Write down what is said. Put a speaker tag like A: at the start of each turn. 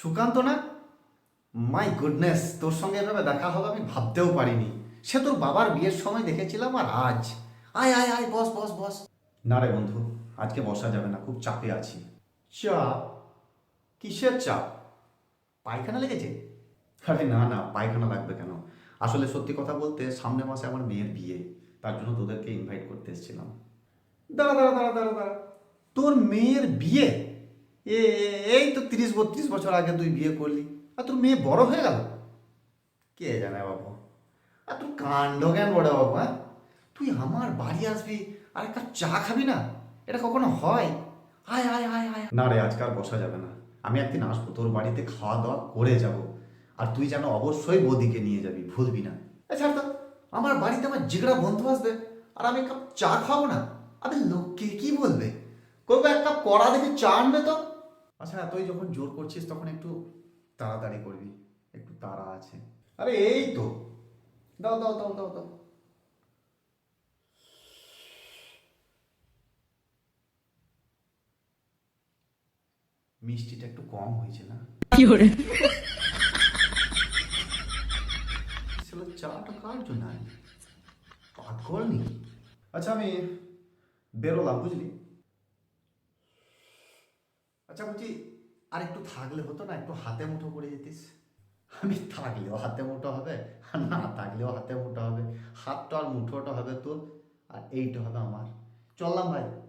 A: সুকান্ত না? My goodness, তোর সঙ্গে এভাবে দেখা হবে আমি ভাবতেও পারিনি। সে তোর বাবার বিয়ের সময় দেখেছিলাম, আর আজ আয় আয় আয়, বস বস বস। না রে বন্ধু, আজকে বসা যাবে না, খুব চাপে আছি। চাপ? কিসের চাপ? পায়খানা লেগেছে? আরে না না, পায়খানা লাগবে কেন? আসলে সত্যি কথা বলতে সামনের মাসে আমার মেয়ের বিয়ে, তার জন্য তোদেরকে ইনভাইট করতে এসেছিলাম। দাঁড়া দাঁড়া দাঁড়া দাঁড়া দাঁড়া, তোর মেয়ের বিয়ে? এই তো 30-32 বছর আগে তুই বিয়ে করলি, আর তোর মেয়ে বড় হয়ে গেল? কে জানে বাবু। আর তোর কাণ্ড জ্ঞান বড় বাবু, হ্যাঁ? তুই আমার বাড়ি আসবি আর এক কাপ চা খাবি না? এটা কখনো হয়? আয় আয় আয় আয়। না রে, আজকে আর বসা যাবে না। আমি একদিন আসবো তোর বাড়িতে, খাওয়া দাওয়া করে যাব। আর তুই যেন অবশ্যই বৌদিকে নিয়ে যাবি, ভুলবি না। ছাড় তো, আমার বাড়িতে আমার জিগড়া বন্ধু আসবে আর আমি এক কাপ চা খাবো না? আবে লোককে কি বলবে? করবো এক কাপ কড়া দেখে চা আনবে তো। আচ্ছা, তুই যখন জোর করছিস তখন একটু তাড়াতাড়ি করবি, একটু তাড়া আছে। আরে এই তো, দাও দাও দাও দাও দাও। মিষ্টিটা একটু কম হয়েছে না? আসলে চাটা কার জন্য আনলি? পাগল নাকি? আচ্ছা, আমি বেরোলাম, বুঝলি? আচ্ছা বলছি, আর একটু থাকলে হতো না? একটু হাতে মুঠো করে যেতিস। আমি থাকলেও হাতে মুঠো হবে, আর না থাকলেও হাতে মুঠো হবে। হাতটা আর মুঠোটা হবে তোর, আর এইটা হবে আমার। চললাম ভাই।